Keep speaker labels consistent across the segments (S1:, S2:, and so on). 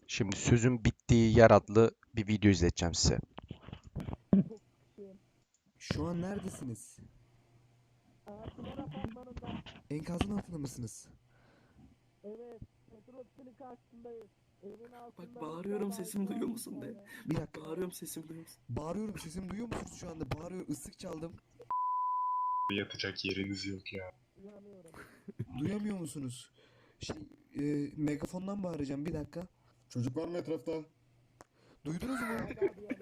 S1: Şimdi sözün bittiği yer adlı bir video izleteceğim size.
S2: Şu an neredesiniz?
S3: Pınar apartmanında.
S2: Enkazın altında mısınız?
S3: Evet. Petrol Otisi'nin karşısındayız. Evin altında.
S4: Bak bağırıyorum, sesimi duyuyor musun de.
S2: Bir dakika.
S4: Bağırıyorum, sesimi duyuyor musun?
S2: Bağırıyorum, sesimi duyuyor musunuz şu anda? Bağırıyorum, ıslık çaldım.
S5: Yatacak yeriniz yok ya.
S3: Uyanıyorum.
S2: Duyamıyor musunuz? Megafondan bağıracağım, bir dakika.
S5: Çocuk var mı etrafta?
S2: Duydunuz mu?
S3: Hala duyamıyorum.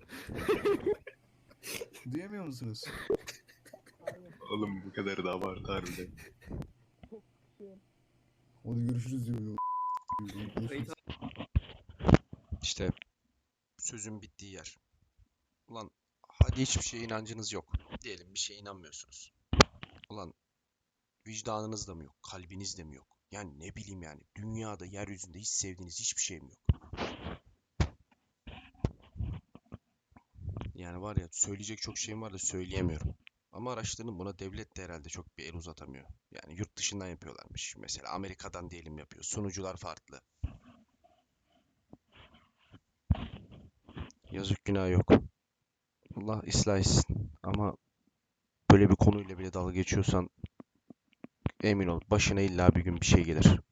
S2: Duyamıyor musunuz?
S3: Hayır.
S5: Oğlum bu kadar da abartı harbiden.
S3: Çok sıkışığım.
S2: Hadi görüşürüz diyor.
S4: Kayıt
S1: İşte sözün bittiği yer. Ulan hadi hiçbir şeye inancınız yok. Diyelim bir şeye inanmıyorsunuz. Ulan vicdanınız da mı yok? Kalbiniz de mi yok? Yani ne bileyim yani. Dünyada, yeryüzünde hiç sevdiğiniz hiçbir şey mi yok? Yani var ya söyleyecek çok şeyim var da söyleyemiyorum. Ama araştırdım, buna devlet de herhalde çok bir el uzatamıyor. Yani yurt dışından yapıyorlarmış. Mesela Amerika'dan diyelim yapıyor. Sunucular farklı. Yazık günah yok. Allah ıslah etsin. Ama böyle bir konuyla bile dalga geçiyorsan emin ol başına illa bir gün bir şey gelir.